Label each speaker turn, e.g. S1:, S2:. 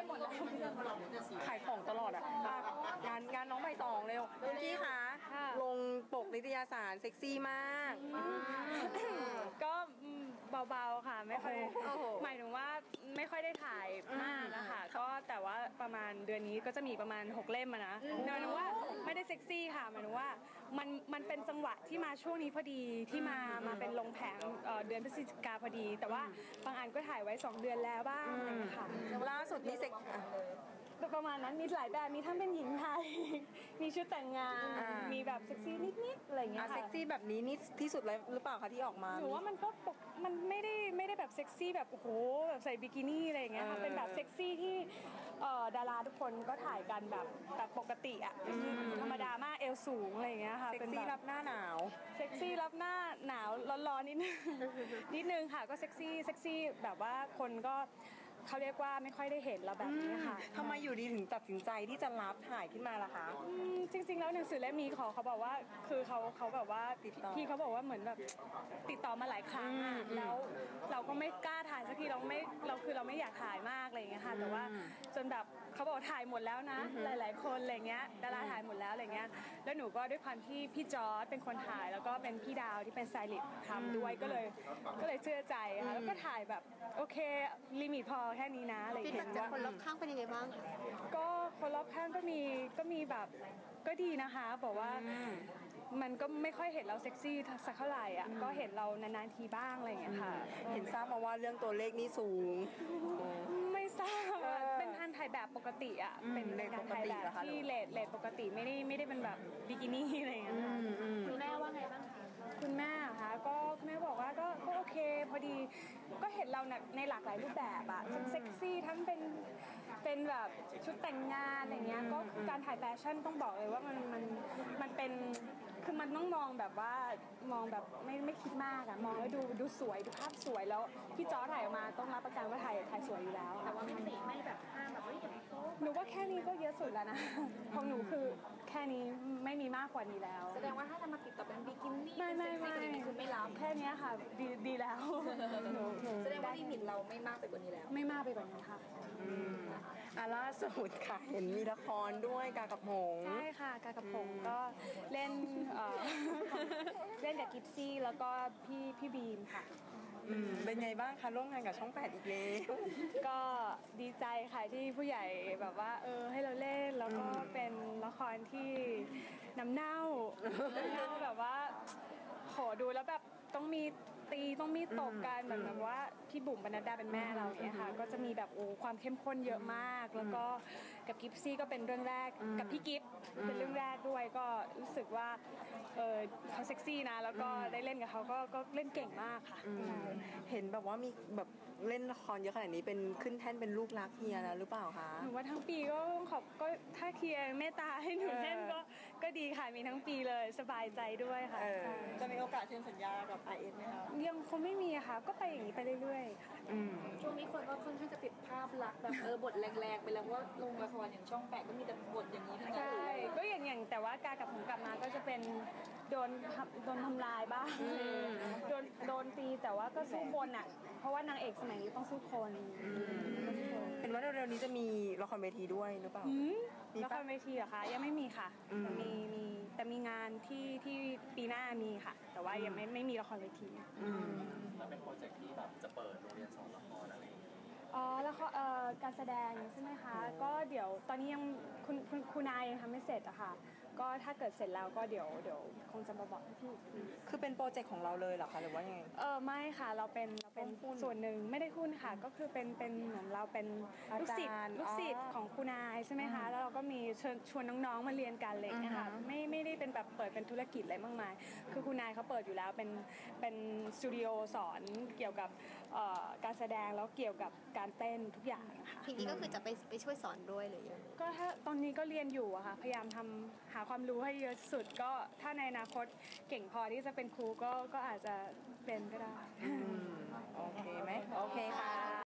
S1: หมดแล้ว
S2: ขายของตลอดอ่ะงานน้องใบตองเร็วพี่คะลงปกนิตยสารเซ็กซี่มาก
S1: ก็เบาๆค่ะไม่ค่อยหมายถึงว่าไม่ค่อยได้ถ่ายมากนะคะก็แต่ว่าประมาณเดือนนี้ก็จะมีประมาณ6 เล่มนะหมายถึงว่าไม่ได้เซ็กซี่ค่ะหมายถึงว่ามันเป็นจังหวะที่มาช่วงนี้พอดีที่มาเป็นลงแผงเดือนพฤศจิกาพอดีแต่ว่าบางอันก็ถ่ายไว้2 เดือนแล้วบ้างค่ะ
S2: ล่าสุดนี่เซ็ก
S1: ประมาณนั้นมีหลายแบบมีทั้งเป็นหญิงไทยมีชุดแต่งงานมีแบบเซ็กซี่นิดๆอะไรอย่างเงี้ยค่ะ
S2: เซ็กซี่แบบนี้นี่ที่สุดเลยหรือเปล่าคะที่ออกมา
S1: หนูว่ามันก็มันไม่ได้แบบเซ็กซี่แบบโอ้โหแบบใส่บิกินี่อะไรอย่างเงี้ยค่ะเป็นแบบเซ็กซี่ที่ดาราทุกคนก็ถ่ายกันแบบปกติอ่ะธรรมดามากเอวสูงอะไรอย่างเงี้ยค่ะ
S2: เซ็กซี่รับหน้าหนาว
S1: เซ็กซี่รับหน้าหนาวร้อนๆนิดนึงค่ะก็เซ็กซี่แบบว่าคนก็เขาเรียกว่าไม่ค่อยได้เห็นเราแบบนี้ค่ะ
S2: ทำไมอยู่ดีถึงตัดสินใจที่จะรับถ่ายขึ้นมาล่ะคะ
S1: จริงๆแล้วหนังสือเล่มนี้เขาบอกว่าคือเขาแบบว่าพี่เขาบอกว่าเหมือนแบบติดต่อมาหลายครั้งแล้วเราก็ไม่กล้าถ่ายสักทีเราไม่อยากถ่ายมากอะไรอย่างเงี้ยค่ะแต่ว่าจนแบบเขาบอกถ่ายหมดแล้วนะหลายๆคนอะไรเงี้ยดาราถ่ายหมดแล้วอะไรเงี้ยแล้วหนูก็ด้วยความที่พี่จอร์จเป็นคนถ่ายแล้วก็เป็นพี่ดาวที่เป็นสไตลิสต์ทำด้วยก็เลยเชื่อใจค่ะแล้วก็ถ่ายแบบโอเคลิมิตพอแค่นี้นะอะไรอย่างเงี้ย
S3: จากคนรอบข้างเป็นยังไงบ้างคะ
S1: ก็คนรอบข้างก็มีแบบก็ดีนะคะบอกว่ามันก็ไม่ค่อยเห็นเราเซ็กซี่สักเท่าไหร่อ่ะก็เห็นเรานานๆทีบ้างอะไรอย่างเงี้ยค่ะ
S2: เห็นทราบมาว่าเรื่องตัวเลขนี่สูง
S1: ไม่ทราบเป็นการถ่ายแบบปกติอ่ะเป็นการถ่ายแบบที่เลทปกติไม่ได้เป็นแบบบิกินี่อะไรอย่างเงี้ย
S3: คุณแม่ว่าไงบ้างคะ
S1: คุณแม่คะก็คุณแม่บอกว่าก็โอเคพอดีก็เห็นเราในหลากหลายรูปแบบอะทั้งเซ็กซี่ทั้งเป็นแบบชุดแต่งงานอะไรเงี้ยก็การถ่ายแฟชั่นต้องบอกเลยว่ามันเป็นคือมันต้องมองแบบว่ามองแบบไม่คิดมากอะมองแล้วดูสวยดูภาพสวยแล้วพี่จอถ่ายออกมาต้องรับประกันว่าถ่ายสวยอยู่แล้ว
S3: แต่ว่าไม่แบบห้ามแบบว่าอย่างโต๊ะ
S1: หนูว่าแค่นี้ก็เยอะสุดแล้วนะของหนูคือแค่นี้ไม่มีมากกว่านี้แล้ว
S3: แสดงว่าถ้าจะมาติดต่อเป็นบิกินี่
S1: ไม่
S3: คือไม่รับ
S1: แค่นี้ค่ะดีแล้ว
S3: แสดงว่าลิมิตเราไม่มากไปกว่านี้แล้ว
S1: ไม่มากไปกว่านี้ค่ะ
S2: ล่าสุดค่ะเห็นมีละครด้วยกากับหง
S1: ใช่ค่ะกากับหงก็เล่นกับกิฟซี่แล้วก็พี่บีมค่ะ
S2: เป็นไงบ้างคะร่วมงานกับช่อง 8อีกแล้ว
S1: ก็ดีใจค่ะที่ผู้ใหญ่แบบว่าให้เราเล่นแล้วก็เป็นละครที่น้ำเน่าแบบว่าโหดูแล้วแบบต้องมีต้องมีตบกันแบบว่าพี่บุ๋มปนัดดาเป็นแม่เราเนี่ยค่ะก็จะมีแบบความเข้มข้นเยอะมากแล้วก็กับกิฟซี่ก็เป็นเรื่องแรกกับพี่กิฟเป็นเรื่องแรกด้วยก็รู้สึกว่าเขาเซ็กซี่นะแล้วก็ได้เล่นกับเขาก็เล่นเก่งมากค่ะ
S2: เห็นแบบว่ามีแบบเล่นละครเยอะขนาดนี้เป็นขึ้นแท่นเป็นลูกรักเฮียแล้วหรือเปล่าคะ
S1: หนูว่าทั้งปีก็ต้องก็ถ้าเฮียเมตตาให้หนูเล่นก็ดีค่ะมีทั้งปีเลยสบายใจด้วยค่ะ
S2: จะมีโอกาสเซ็นสัญญากับ IS ไหมคะ
S1: ยังคงไม่มีค่ะก็ไปอย่างนี้ไปเรื่อยๆค่ะ
S3: ช่วงนี้คนก็ค่อนข้างจะติดภาพลักษณ์แบบบทแรงๆไปแล้วว่าลงละครอย่างช่อง 8ก็มีแต่บทอย่างนี้ทั้งนั้น
S1: ใช่ก็อย่างแต่ว่ากากับผมกลับมาก็จะเป็นโดนทำลายบ้างโดนตีแต่ว่าก็สู้คนอ่ะเพราะว่านางเอกสมัยนี้ต้องสู้คน
S2: เห็นว่าเร็วๆนี้จะมีละครเวทีด้วยหรือเปล่า
S1: ละครเวทีเหรอคะยังไม่มีค่ะแต่มีงานที่ปีหน้ามีค่ะแต่ว่ายังไม่มีละครเวที
S4: แล้วเป็นโปรเจกต์ที่แบบจะเปิดโรงเรียนสอนละครอะไรอย่างเงี้ย
S1: แล้วก็การแสดงใช่ไหมคะก็เดี๋ยวตอนนี้ยังคุณนายยังทำไม่เสร็จอะค่ะก็ถ้าเกิดเสร็จแล้วก็เดี๋ยวคงจะมาบอกพี่
S2: คือเป็นโปรเจกต์ของเราเลยเหรอคะหรือว่ายังไง
S1: ไม่ค่ะเราเป็นส่วนหนึ่งไม่ได้หุ้นค่ะก็คือเป็นเหมือนเราเป็นลูกศิษย์ของคุณนายใช่ไหมคะแล้วเราก็มีชวนน้องๆมาเรียนกันเลยนะคะไม่ได้เป็นแบบเปิดเป็นธุรกิจอะไรมากมายคือคุณนายเขาเปิดอยู่แล้วเป็นสตูดิโอสอนเกี่ยวกับการแสดงแล้วเกี่ยวกับการเต้นทุกอย่างค่ะ
S3: ทีนี้ก็คือจะไปช่วยสอนด้วยเลย
S1: ก็ถ้าตอนนี้ก็เรียนอยู่อะค่ะพยายามหาความรู้ให้เยอะสุดก็ถ้าในอนาคตเก่งพอที่จะเป็นครูก็อาจจะเป็นก็ได้
S2: โอเคไหมโอเคค่ะ